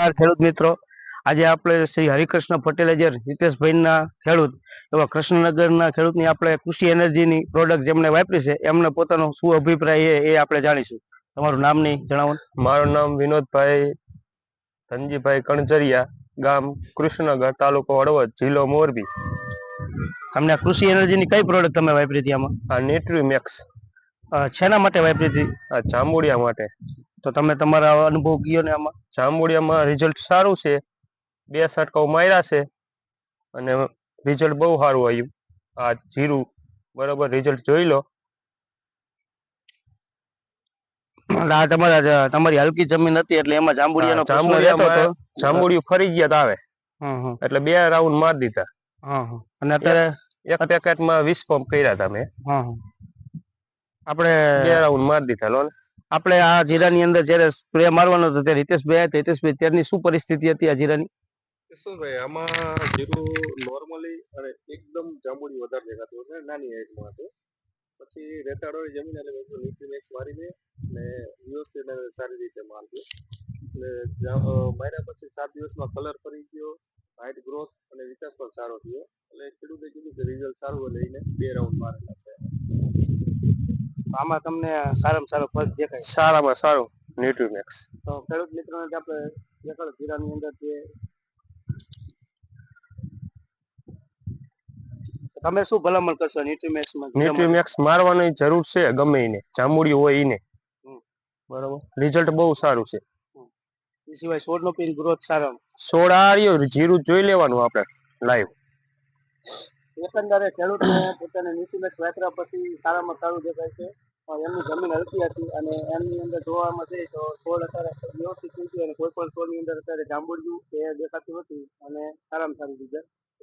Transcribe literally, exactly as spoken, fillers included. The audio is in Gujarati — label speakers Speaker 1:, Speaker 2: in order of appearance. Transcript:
Speaker 1: ખેડૂત મિત્રો, આજે આપણે શ્રી હરિકૃષ્ણ પટેલે જે હિતેશભાઈના ખેડૂત એવા કૃષ્ણનગરના ખેડૂતની આપણે કૃષિ એનર્જીની પ્રોડક્ટ જેમણે વાપરી છે એમને પોતાનો શું અભિપ્રાય છે એ આપણે જાણીશું. તમારું નામ નહીં જણાવો.
Speaker 2: મારું નામ વિનોદભાઈ ધનજીભાઈ કણજરિયા, ગામ કૃષ્ણનગર, તાલુકો હળવદ, જિલ્લો મોરબી.
Speaker 1: તમને કૃષિ એનર્જીની કઈ પ્રોડક્ટ તમે વાપરી હતી આમાં?
Speaker 2: આ ન્યુટ્રીમેક્સ
Speaker 1: શેના માટે વાપરી હતી?
Speaker 2: આ જાંબુડિયા માટે.
Speaker 1: તો તમે તમારા અનુભવ કયો ને આમાં.
Speaker 2: જાંબુડિયામાં રિઝલ્ટ સારું છે, બે છંટકાવ માર્યા છે અને રિઝલ્ટ બહુ સારું આવ્યું. આ જીરું બરોબર રિઝલ્ટ જોઈ લો.
Speaker 1: આ તમારા તમારી હલકી જમીન હતી એટલે એમાં જાંબુડિયાનો પ્રશ્ન રહેતો હતો.
Speaker 2: જાંબુડિયું ફરી ગયા આવે એટલે બે રાઉન્ડ મારી દીધા.
Speaker 1: અને અત્યારે
Speaker 2: એક પેકેટમાં વીસ પંપ કર્યા હતા મેં.
Speaker 1: આપણે
Speaker 2: બે રાઉન્ડ મારી દીધા લો.
Speaker 1: આપણે આ જીરાની અંદર જયારે સ્પ્રે મારવાનો હતો ત્યારે હિતેશભાઈ હતા. હિતેશભાઈ ત્યારની શું પરિસ્થિતિ હતી આ જીરાની?
Speaker 3: શું ભાઈ આમાં જીરું નોર્મલી અને એકદમ જાંબુડી વધારે દેખાતું છે, નાની હાઈટમાં હતું. પછી રેતાળોની જમીન એટલે મેં ન્યુટ્રીમેક્સ મારીને ને વ્યવસ્થિત સારી રીતે મારજો. એટલે માર્યા પછી સાત દિવસમાં કલર ફરી ગયો, હાઈટ ગ્રોથ અને વિકાસ પણ સારો થયો. એટલે ખેડૂતે કીધું કે રિઝલ્ટ સારું લઈને બે રાઉન્ડ મારેલા છે.
Speaker 1: આમાં તમને સારામાં સારો ફરક દેખાય?
Speaker 2: સારામાં સારું ન્યુટ્રીમેક્સ.
Speaker 1: તો ખેડૂત મિત્રોને આપણે એકલ જીરાની અંદર જે તમે શું ભલામણ કરશો ન્યુટ્રીમેક્સમાં?
Speaker 2: ન્યુટ્રીમેક્સ મારવાની જરૂર છે ગમે એને, જાંબુડિયું હોય એને. બરોબર, રિઝલ્ટ બહુ સારું છે.
Speaker 1: એ સિવાય છોડનો પીન ગ્રોથ સારો.
Speaker 2: છોડ આ રહ્યો, જીરું જોઈ લેવાનું આપણે લાઈવ.
Speaker 1: એકંદરે ખેડૂતને પોતાને ન્યુટ્રીમેક્સ વાપર્યા પછી સારામાં સારું દેખાય છે. એમની જમીન હલકી હતી અને એમની અંદર જોવામાં જઈએ તો છોડ અત્યારે વ્યવસ્થિત થઈ ગયો અને કોઈ પણ છોડની અંદર અત્યારે જાંબુડિયું એ દેખાતું નથી અને સારામાં સારું રિઝલ્ટ